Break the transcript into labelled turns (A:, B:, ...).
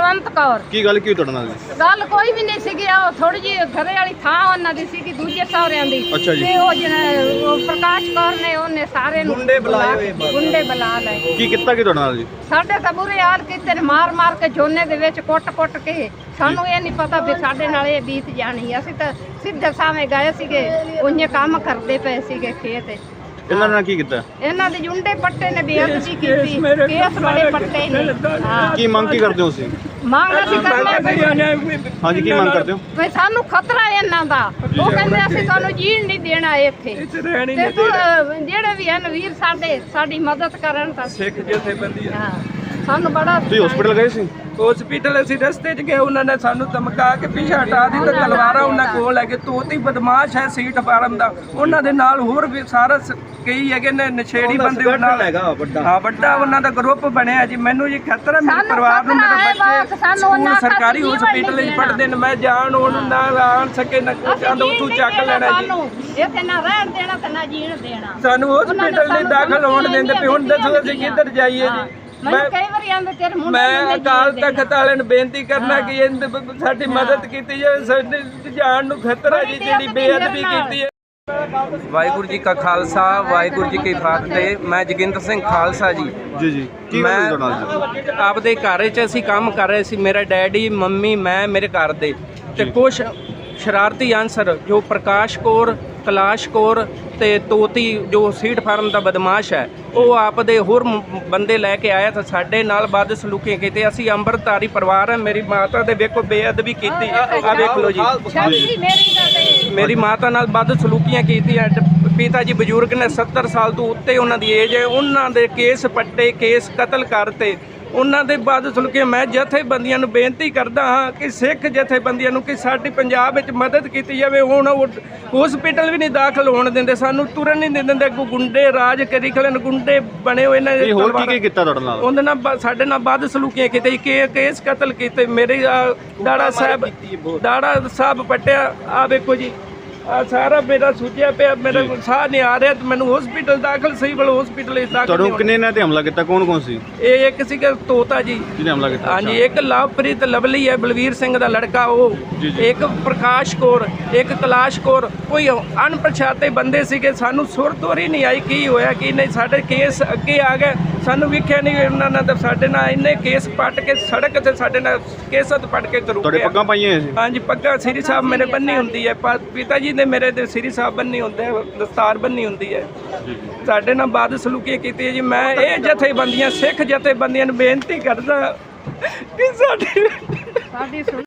A: ਬਲਵੰਤ ਕੌਰ।
B: ਕੀ ਗੱਲ ਕੀ ਤੁਹਾਡੇ ਨਾਲ?
A: ਗੱਲ ਕੋਈ ਵੀ ਨਹੀਂ ਸੀਗੀ, ਉਹ ਥੋੜੀ ਜਿਹੀ ਘਰੇ ਵਾਲੀ ਥਾਂ ਉਹਨਾਂ ਦੀ ਸੀਗੀ ਦੂਜੇ ਸਹੁਰਿਆਂ ਦੀ।
B: ਅੱਛਾ ਜੀ।
A: ਤੇ ਉਹ ਪ੍ਰਕਾਸ਼ ਕੌਰ ਨੇ ਉਹਨੇ ਸਾਰੇ ਨੂੰ ਗੁੰਡੇ ਬੁਲਾ ਲਏ।
B: ਕੀ ਕੀਤਾ ਕੀ ਤੁਹਾਡੇ ਨਾਲ ਜੀ?
A: ਸਾਡੇ ਤਾਂ ਬੁਰੇ ਹਾਲ ਕੀਤੇ ਨੇ, ਮਾਰ ਕੇ ਝੋਨੇ ਦੇ ਵਿੱਚ ਕੁੱਟ ਕੇ। ਸਾਨੂੰ ਇਹ ਨਹੀਂ ਪਤਾ ਵੀ ਸਾਡੇ ਨਾਲ ਇਹ ਬੀਤ ਜਾਣੀ। ਅਸੀਂ ਤਾਂ ਸਿੱਧੇ ਸਾਵੇਂ ਗਏ ਸੀਗੇ, ਉਹਨੇ ਕੰਮ ਕਰਦੇ ਪਏ ਸੀਗੇ ਖੇਤ।
B: ਇਹਨਾਂ ਨੇ ਕੀ ਕੀਤਾ?
A: ਇਹਨਾਂ ਦੇ ਜੁੰਡੇ ਪੱਟੇ ਨੇ, ਬੇਅਦਬੀ ਕੀਤੀ, ਕੇਸ ਬੜੇ ਪੱਟੇ ਨੇ।
B: ਕੀ ਮੰਗ ਕੀ ਕਰਦੇ ਹੋ ਤੁਸੀਂ?
A: ਮੰਗ ਅਸੀਂ ਕਰਨੇ
B: ਹਾਂਜੀ, ਕੀ ਮੰਗ ਕਰਦੇ ਹੋ?
A: ਵੀ ਸਾਨੂੰ ਖਤਰਾ ਹੈ ਇਹਨਾਂ ਦਾ। ਉਹ ਕਹਿੰਦੇ ਅਸੀਂ ਤੁਹਾਨੂੰ ਜੀਣ ਨਹੀਂ ਦੇਣਾ ਇੱਥੇ। ਤੇ ਜਿਹੜੇ ਵੀ ਹਨ ਵੀਰ ਸਾਡੀ ਮਦਦ ਕਰਨ ਤਾਂ
C: ਸਿੱਖ ਜਥੇਬੰਦੀ
A: ਹਾਂ ਸਾਨੂੰ ਬੜਾ।
B: ਤੁਸੀਂ ਹਸਪੀਟਲ ਗਏ ਸੀ?
C: ਹਸਪੀਟਲ ਅਸੀਂ ਰਸਤੇ 'ਚ ਗਏ, ਉਹਨਾਂ ਨੇ ਸਾਨੂੰ ਧਮਕਾ ਕੇ ਪਿੱਛੇ ਹਟਾ ਦਿੱਤਾ। ਤਲਵਾਰਾਂ ਉਹਨਾਂ ਕੋਲ ਲੈ ਕੇ, ਤੋਤੀ ਬਦਮਾਸ਼ ਹੈ ਸੀਟ ਫਾਰਮ ਦਾ। ਉਹਨਾਂ ਦੇ ਨਾਲ ਹੋਰ ਵੀ ਸਾਰਾ ਕਈ ਹੈਗੇ ਨੇ ਨਸ਼ੇੜੀ ਬੰਦੇ। ਉਹਨਾਂ ਹੈਗਾ ਵੱਡਾ ਉਹਨਾਂ ਦਾ ਗਰੁੱਪ ਬਣਿਆ ਜੀ। ਮੈਨੂੰ ਜੀ ਖਤਰਾ ਮੇਰੇ ਪਰਿਵਾਰ ਨੂੰ, ਮੇਰੇ ਬੱਚੇ ਸਕੂਲ ਸਰਕਾਰੀ ਹਸਪੀਟਲ 'ਚ ਪੜ੍ਹਦੇ ਨੇ। ਮੈਂ ਜਾਣ ਉਹਨਾਂ ਨਾਲ ਆਣ ਸਕੇ ਨਾ ਚਾਹੁੰਦਾ ਉੱਥੋਂ ਚੱਕ ਲੈਣਾ ਜੀ।
A: ਇੱਥੇ ਨਾ ਰਹਿਣ ਦੇਣਾ ਤੇ ਨਾ ਜੀਣ ਦੇਣਾ।
C: ਸਾਨੂੰ ਹਸਪੀਟਲ ਨਹੀਂ ਦਾਖਲ ਹੋਣ ਦਿੰਦੇ ਪਏ। ਹੁਣ ਦੱਸੋ ਅਸੀਂ ਕਿੱਧਰ ਜਾਈਏ ਜੀ? ਮੈਂ ਅਕਾਲ ਤਖਤ ਵਾਲਿਆਂ ਨੂੰ ਬੇਨਤੀ ਕਰਨਾ ਕਿ ਸਾਡੀ ਮਦਦ ਕੀਤੀ ਜਾਵੇ। ਸਾਡੇ ਜਾਨ ਨੂੰ ਖਤਰਾ ਜੀ, ਜਿਹੜੀ ਬੇਅਦਬੀ ਕੀਤੀ ਹੈ। ਵਾਹਿਗੁਰੂ ਜੀ ਕਾ ਖਾਲਸਾ, ਵਾਹਿਗੁਰੂ ਜੀ ਕੀ ਫਤਿਹ। ਮੈਂ ਜੋਗਿੰਦਰ ਸਿੰਘ ਖਾਲਸਾ ਜੀ।
B: ਜੀ ਕੀ ਗੱਲ ਤੁਹਾਡੇ ਨਾਲ ਜੀ?
C: ਆਪਦੇ ਘਰ 'ਚ ਅਸੀਂ ਕੰਮ ਕਰ ਰਹੇ ਸੀ, ਮੇਰਾ ਡੈਡੀ, ਮੰਮੀ, ਮੈਂ, ਮੇਰੇ ਘਰ ਦੇ। ਤੇ ਕੁਛ ਸ਼ਰਾਰਤੀ ਅਨਸਰ ਜੋ ਪ੍ਰਕਾਸ਼ ਕੌਰ, ਕਲਾਸ਼ ਕੌਰ ਤੇ ਤੋਤੀ ਜੋ ਸੀਟ ਫਾਰਮ ਦਾ ਬਦਮਾਸ਼ ਹੈ, ਉਹ ਆਪਦੇ ਹੋਰ ਬੰਦੇ ਲੈ ਕੇ ਆਇਆ ਤਾਂ ਸਾਡੇ ਨਾਲ ਬਦ ਸਲੂਕੀ ਕੀਤੀ। ਅਸੀਂ ਅੰਮ੍ਰਿਤਧਾਰੀ ਪਰਿਵਾਰ ਹੈ। ਮੇਰੀ ਮਾਤਾ ਦੇ ਵੇਖੋ ਬੇਅਦਬੀ ਕੀਤੀ, ਆ ਵੇਖ ਲਓ ਜੀ। ਮੇਰੀ ਮਾਤਾ ਨਾਲ ਬਦ ਸਲੂਕੀਆਂ ਕੀਤੀਆਂ। ਪਿਤਾ ਜੀ ਬਜ਼ੁਰਗ ਨੇ, 70 ਸਾਲ ਤੋਂ ਉੱਤੇ ਉਹਨਾਂ ਦੀ ਏਜ ਹੈ। ਉਹਨਾਂ ਦੇ ਕੇਸ ਪੱਟੇ, ਕੇਸ ਕਤਲ ਕਰਤੇ। ਉਹਨਾਂ ਦੇ ਬਾਅਦ ਸੁਣ ਕੇ ਮੈਂ ਜਥੇਬੰਦੀਆਂ ਨੂੰ ਬੇਨਤੀ ਕਰਦਾ ਹਾਂ ਕਿ ਸਿੱਖ ਜਥੇਬੰਦੀਆਂ ਨੂੰ ਕਿ ਸਾਡੀ ਪੰਜਾਬ ਵਿੱਚ ਮਦਦ ਕੀਤੀ ਜਾਵੇ। ਹੁਣ ਉਹ ਹਸਪੀਟਲ ਵੀ ਨਹੀਂ ਦਾਖਲ ਹੋਣ ਦਿੰਦੇ, ਸਾਨੂੰ ਤੁਰਨ ਨਹੀਂ ਦਿੰਦੇ। ਗੁੰਡੇ ਰਾਜ ਕਰੀ ਖਲਨ, ਗੁੰਡੇ ਬਣੇ ਹੋਏ ਨੇ।
B: ਹੋਰ ਕੀ ਕੀਤਾ ਤੁਹਾਡੇ ਨਾਲ?
C: ਉਹਦੇ ਨਾਲ ਸਾਡੇ ਨਾਲ ਵੱਧ ਸਲੂਕੀਆਂ ਕੀਤੇ, ਕੇਸ ਕਤਲ ਕੀਤੇ। ਮੇਰੇ ਦਾੜਾ ਸਾਹਿਬ ਪੱਟਿਆ। ਆ ਵੇਖੋ ਜੀ, ਆ ਸਾਰਾ ਮੇਰਾ ਸੁੱਜਿਆ ਪਿਆ, ਮੇਰਾ ਸਾਹ ਨਹੀਂ ਆ ਰਿਹਾ। ਮੈਨੂੰ ਹਸਪੀਟਲ ਦਾਖਲ, ਸਿਵਲ ਹਸਪੀਟਲ ਇਸ ਦਾਖਲ।
B: ਤੁਹਾਨੂੰ ਕਿੰਨੇ ਨੇ ਤੇ ਹਮਲਾ ਕੀਤਾ? ਕੌਣ ਸੀ?
C: ਇਹ ਇੱਕ ਸੀਗਾ ਤੋਤਾ ਜੀ
B: ਜਿਹਨੇ ਹਮਲਾ ਕੀਤਾ।
C: ਹਾਂਜੀ, ਇੱਕ ਲਵਪ੍ਰੀਤ ਲਵਲੀ ਹੈ, ਬਲਵੀਰ ਸਿੰਘ ਦਾ ਲੜਕਾ ਉਹ। ਇੱਕ ਪ੍ਰਕਾਸ਼ ਕੌਰ, ਇੱਕ ਕਲਾਸ਼ ਕੌਰ। ਕੋਈ ਅਣਪਛਾਤੇ ਬੰਦੇ ਸੀਗੇ। ਸਾਨੂੰ ਸੁਰਤੋਰੀ ਨਹੀਂ ਆਈ ਕੀ ਹੋਇਆ ਕੀ ਨਹੀਂ। ਸਾਡੇ ਕੇਸ ਅੱਗੇ ਆ ਗਏ, ਸਾਨੂੰ ਵੇਖਿਆ ਨਹੀਂ। ਉਹਨਾਂ ਨੇ ਤਾਂ ਸਾਡੇ ਨਾਲ ਇੰਨੇ ਕੇਸ ਪੱਟ ਕੇ ਸੜਕ ਤੇ ਸਾਡੇ ਨਾਲ ਕੇਸਤ ਪੱਟ ਕੇ ਤੁਰ ਗਏ।
B: ਤੁਹਾਡੇ ਪੱਗਾਂ ਪਾਈਆਂ ਸੀ?
C: ਹਾਂਜੀ, ਪੱਗਾਂ ਸ੍ਰੀ ਸਾਹਿਬ ਮੇਰੇ ਬੰਨੀ ਹੁੰਦੀ ਹੈ। ਪਿਤਾ ਜੀ ਨੇ ਮੇਰੇ ਦੇ ਸ੍ਰੀ ਸਾਹਿਬ ਬੰਨੀ ਹੁੰਦੇ, ਦਸਤਾਰ ਬੰਨੀ ਹੁੰਦੀ ਹੈ। ਸਾਡੇ ਨਾਲ ਬਦ ਸਲੂਕੀ ਕੀਤੀ ਹੈ ਜੀ। ਮੈਂ ਇਹ ਜਥੇਬੰਦੀਆਂ, ਸਿੱਖ ਜਥੇਬੰਦੀਆਂ ਨੂੰ ਬੇਨਤੀ ਕਰਦਾ ਕਿ ਸਾਡੀ